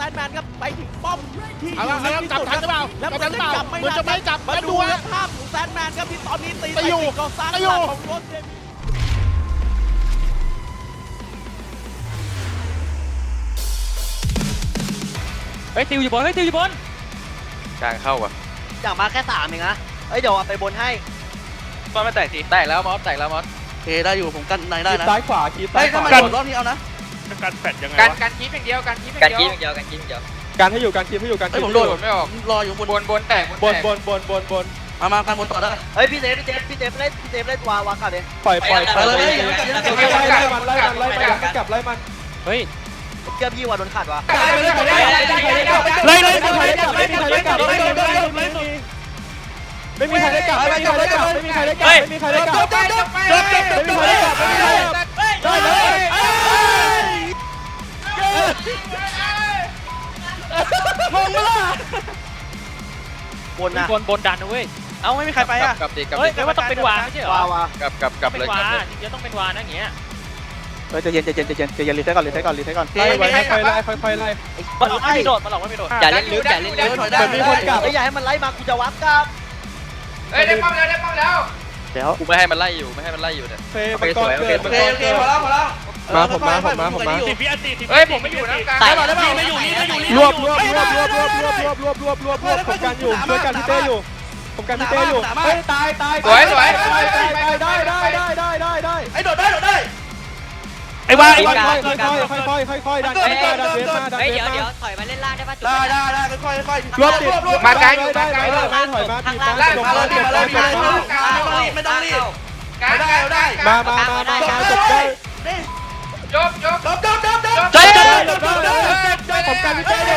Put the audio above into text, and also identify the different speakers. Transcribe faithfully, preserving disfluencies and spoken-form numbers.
Speaker 1: นแมนครับไปถึงป้อมที่
Speaker 2: เอาละเอาละจับทันหรือเปล่า
Speaker 1: แล้ว
Speaker 2: จับทันหรือเปล่า
Speaker 1: จับไม่
Speaker 2: เหมือนจะไม่จับ
Speaker 1: มา
Speaker 2: แล้ว
Speaker 1: ดู
Speaker 2: ดู
Speaker 1: นะ
Speaker 2: นะ
Speaker 1: ภาพของแซนแมนครับที่ตอนนี้ตี
Speaker 2: ไปอยู่
Speaker 1: ติดกองสร้าง
Speaker 2: ไปอยู่
Speaker 1: ของรถเดม
Speaker 3: เฮ้ยติวอยู่บนเฮ้ยติวอยู่บน
Speaker 4: กลางเข้าว่ะ
Speaker 5: อยากมาแค่สามเองนะเอ้ยเดี๋ยวเอาไปบนให้
Speaker 4: มอสไม่แตกทีแตกแล้วมอสแตกแล้วมอส
Speaker 5: โอเคได้อยู่ผมกันในได้นะ
Speaker 6: ซ้ายขวาคีบ
Speaker 5: เฮ้
Speaker 6: ซ้าย ยข
Speaker 5: ถ้าว
Speaker 6: า
Speaker 5: มันโดดรอบนี้เอานะ
Speaker 2: การแฟดยังไง
Speaker 4: การ
Speaker 2: วะ
Speaker 4: การคีบอย่างเดียวการคีบอ
Speaker 3: การ
Speaker 4: ย่าง
Speaker 3: กี
Speaker 4: เดียว
Speaker 3: อย่างเดียวการกีอย่างเดียว
Speaker 6: การให้อยู่การคีบให้อยู่การ
Speaker 5: เฮ้
Speaker 6: คี
Speaker 5: ย
Speaker 6: บ
Speaker 5: ผม
Speaker 6: ให้อ
Speaker 5: โด
Speaker 6: ยู่
Speaker 5: ด
Speaker 4: ไม่ออก
Speaker 5: รออยู่บน
Speaker 4: บนบนแตก
Speaker 6: บบ น
Speaker 4: น
Speaker 6: บนบนบนบน
Speaker 5: มามากันบนต่อได้เฮ้ยพี่เจฟพี่เจฟพี่เจฟเล่นพี่เจฟเล่นวาวากัดเลย
Speaker 6: ปล่อยปล่อยปล่อย
Speaker 5: ไปเลย
Speaker 6: ไล่ไล่มันไล่มันไล่มันกลับไล่มัน
Speaker 3: เฮ้ย
Speaker 5: เจ้าพี่ว่าโดนขาดวะ
Speaker 6: ไล่ไล่ไม่มีใครได้กลับไม่มีใครได้กลับไม่มีใครได้กลับไม่มีใครได้กลับไม่มีใครได้กลับไม่มีใครได้กลับไม่มีใครได้กลับไม่มีใครได้กลับไม่มีใครได้กลับได้เลยมองมาล่ะ
Speaker 5: บนนะ
Speaker 3: บนบนดันนะเว้ย
Speaker 5: เอ้าไม่มีใครไปอ่ะ
Speaker 4: กลับดิกลับ
Speaker 3: เฮ้ย
Speaker 4: ดิ
Speaker 3: แปลว่าต้องเป็นวาไม่ใช่เหรอ
Speaker 5: วาวาก
Speaker 4: ลับกลับกลับ
Speaker 3: เป็
Speaker 4: เลย
Speaker 3: น
Speaker 4: ก
Speaker 3: วา
Speaker 4: ลับเลย
Speaker 3: จริงๆต้องเป็นวานะอย่างเงี้ย
Speaker 6: เฮ้ยใจเย็นใจเย็นใจเย็นใจเย็นรีเซ็ตก่อนรีเซ็ตก่อนรีเซ็ตก่อนไล่ไว้ค่อยไล่ค่อยๆไล่
Speaker 3: มันหลอกไม่มีโดดมันหลอกไม่มีโดดอย่าเล่นลึกอย่าเล่นลึก
Speaker 5: ถอยได้เฮ้ยอย่าให้มันไล่มากูจะวัดกับ
Speaker 4: เฮ้ยได้ป้อมแล้วได้ป้อมแล้ว
Speaker 6: เดี๋ยว
Speaker 4: กูไม่ให้มันไล่อยู่ไม่ให้มันไล่อยู่เนี่ย
Speaker 6: เฟย์มันก้อนเกิดมันก้อนเกิดมาผมมาผมมาผมมา
Speaker 2: สิบวิอันตีสิบ
Speaker 4: เฮ้ยผมไม่อยู่นะกลาง
Speaker 5: ตายแล้วไม่อยู่นี่ไม่อยู่นี่
Speaker 6: รวบรวบรวบรวบรวบรวบรวบรวบรวบรวบรวบผมกันอยู่ช่วยกันพี่เต้อยู่ผมกันพี่เต้อยู่เฮ้ยตายตายตายตายตายได้ได้ได้ได้ได้ได้
Speaker 5: ไอ้โดดได้โดดได้
Speaker 2: ไอ้วาไอ้
Speaker 6: ค่
Speaker 2: วา
Speaker 6: อยค่อยค่อยค่อยค่อยค่อยดันดันดันเวฟมาดัน
Speaker 3: เฮ้ย
Speaker 6: เวฟ
Speaker 3: เดี๋ยว
Speaker 6: มา
Speaker 3: เดี๋ยวถอยมาเล่นล่างได้ป่ะจุด
Speaker 5: ได้ได้ได้ค่อยค่อย
Speaker 6: รวบติดมาไกลอยู่ได้ได้ได้ถอยมาบีบมา
Speaker 5: ได้
Speaker 6: จบ
Speaker 5: มา
Speaker 6: มา
Speaker 5: เลย
Speaker 6: จบ
Speaker 5: มาเล
Speaker 6: มาย จ
Speaker 5: มา
Speaker 6: บ
Speaker 5: เลย
Speaker 6: มา
Speaker 5: ไม่ต้องรีบไม่ต้องรีบ
Speaker 4: กลางได้ได้
Speaker 6: มามามามามาจบได้
Speaker 4: จบจบ
Speaker 5: จบจบจบจบ
Speaker 6: จบได้จบได้ผมกันพี่เต้เลย